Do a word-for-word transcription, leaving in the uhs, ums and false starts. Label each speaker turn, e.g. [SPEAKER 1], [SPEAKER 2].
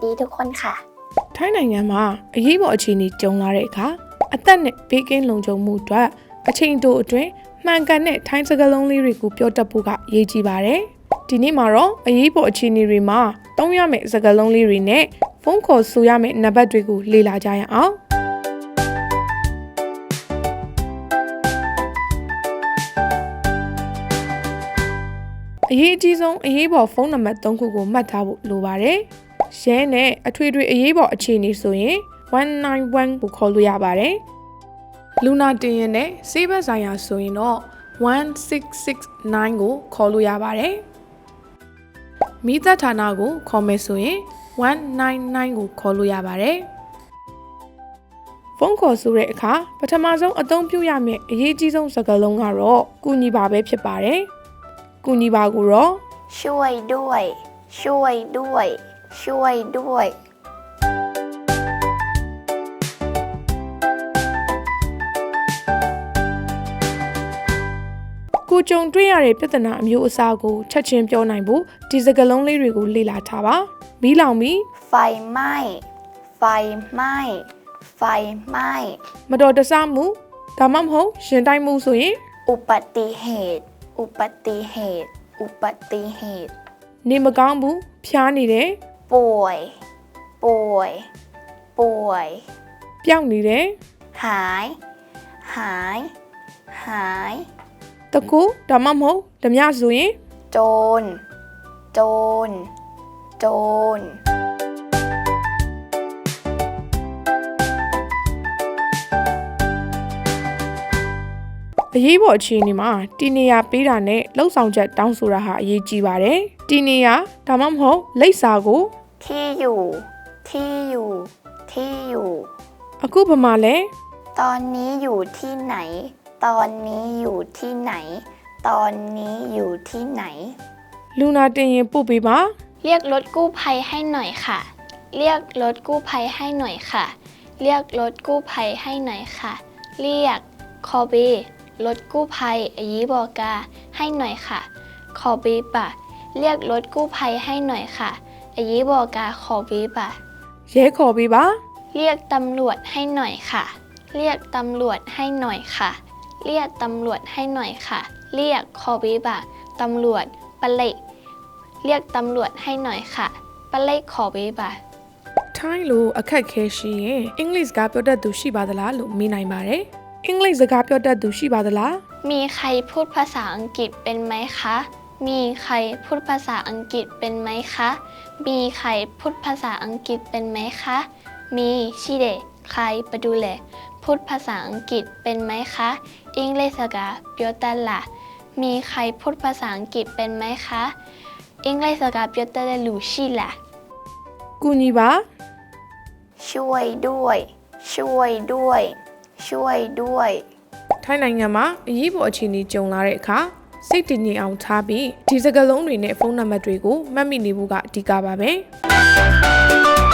[SPEAKER 1] ดีทุกคนค่ะ
[SPEAKER 2] ထိုင်းနိုင်ငံမှာအရေးပေါ်အခြေအနေကြုံလာတဲ့အခါအသက်နဲ့ဘေးကင်းလုံခြုံမှုအတွက်အချိန်တိုအတွင်းမှန်ကန်တဲ့ထိုင်းစကားလုံးလေးတွေကိုပြောတတ်ဖို့ကအရေးကြီးပါတယ်။ဒီနေ့မှာတော့အရေးပေါ်အခြေအနေတွေမှာသုံးရမယ့်စကားလုံးလေးတွေနဲ့ဖုန်းခေါ်ဆိုရမယ့်နံပါတ်တွေကိုလေ့လာကြရအောင်။အရေးအကြီးဆုံးအရေးပေါ်ဖုန်းနံပါတ်သုံးခုကိုမှတ်ထားဖို့လိုပါတယ်။ရဲနဲ့အထွေထွေအရေးပေါ်အခြေအနေဆိုရင်one nine oneကိုခေါ်လို့ရပါတယ်။လူနာတင်ရင်နဲ့ဆေးဘက်ဆိုင်ရာဆိုရင်တော့one six six nineကိုခေါ်လို့ရပါတယ်။မိသက်ဌာနကိုခေါ်မယ်ဆိုရင်one nine nineကိုခေါ်လို့ရပါတယ်။ဖုန်းခေါ်ဆိုတဲ့အခါပထမဆုံးအသုံးပြုရမယ့်အရေးကြီးဆုံးစကားလုံးကတော့ကူညီပါပဲဖြစ်ပါတယ်။ကူညီပါကိုတော့
[SPEAKER 1] ช่วยด้วยช่วยด้วยช่วยด้วย
[SPEAKER 2] ကိုကြုံတွေ့ရတဲ့ပြဿနာအမျိုးအစားကိုချက်ချင်းပြောနိုင်ဖို့ဒီစကားလုံးလေးတွေကိုလေ့လာထားပါမီးလောင်ပြီး
[SPEAKER 1] ไฟไหม้ไฟไหม้ไฟไหม้
[SPEAKER 2] မတော်တဆမှုဒါမှမဟုတ်ရှင်တိုင်းမှုဆိုရင်
[SPEAKER 1] อุบัติเหตุอุบัติเหตุอุบัติเหตุ
[SPEAKER 2] နေမကောင်းဘူးဖျားနေတယ်
[SPEAKER 1] ป่วยป่วยป่วย
[SPEAKER 2] ပျောက်နေတယ်
[SPEAKER 1] หายหายหาย
[SPEAKER 2] တကူဒါမှမဟုတ်ဓမြဆိုရင်
[SPEAKER 1] โจรโจรโจร
[SPEAKER 2] အရေးပေါ်အခြေအနေမှာတီနေရပေးတာနဲ့လှုပ်ဆောင်ချက်တောင်းဆိုတာဟာအရေးကြီးပါတယ်တီနေရဒါမှမဟုတ်လိပ်စာကို
[SPEAKER 1] ที่อยู่ที่อยู่ที่อยู่
[SPEAKER 2] အခုဘာမှလဲ
[SPEAKER 1] ตอนนี้อยู่ที่ไหนตอนนี้อยู่ที่ไหนตอนนี้อยู่ที่ไหน
[SPEAKER 2] လူနာတင်ရင်ပို့ပေးပါ
[SPEAKER 1] เรียกรถกู้ภัยให้หน่อยค่ะเรียกรถกู้ภัยให้หน่อยค่ะเรียกรถกู้ภัยให้หน่อยค่ะเรียกคอบีรถกู้ภัยอายีบอกกาให้หน่อยค่ะคอบีปะเรียกรถกู้ภัยให้หน่อยค่ะอายีบอกกาคอบีปะ
[SPEAKER 2] ရဲခေါ်ပေးပါ
[SPEAKER 1] เรียกตำรวจให้หน่อยค่ะเรียกตำรวจให้หน่อยค่ะเรียกตำรวจให้หน่อยค่ะเรียกคอบีบะตำรวจปะเละเรียกตำรวจให้หน่อยค่ะปะเละคอบีบะ
[SPEAKER 2] ထိုင်းလိုအခက်ခဲရှိရင်အင်္ဂလိပ်စကားပြောတတ်သူရှိပါသလားလို့မေးနိုင်ပါတယ်အင်္ဂလိပ်စကားပြောတတ်သူရှိပါသလား
[SPEAKER 1] มีใครพูดภาษาอังกฤษเป็นไหมคะมีใครพูดภาษาอังกฤษเป็นไหมคะมีใครพูดภาษาอังกฤษเป็นไหมคะมีชิเดใครไปดูแลพูดภาษาอังกฤษเป็นไหมคะอังกฤษสกาเปียวตันล่ะมีใครพูดภาษาอังกฤษเป็นไหมคะอังกฤษสกาเปียวตันลูชิล่ะ
[SPEAKER 2] ကူညီပါ
[SPEAKER 1] ช่วยด้วยช่วยด้วยช่วยด้วย
[SPEAKER 2] ထိုင်းနိုင်ငံမှာအရေးပေါ်အခြေအနေကြုံလာတဲ့အခါစိတ်တည်ငြိမ်အောင်ထားပြီးဒီစကားလုံးတွေနဲ့ဖုန်းနံပါတ်တွေကိုမှတ်မိနေဖို့ကအဓိကပါပဲ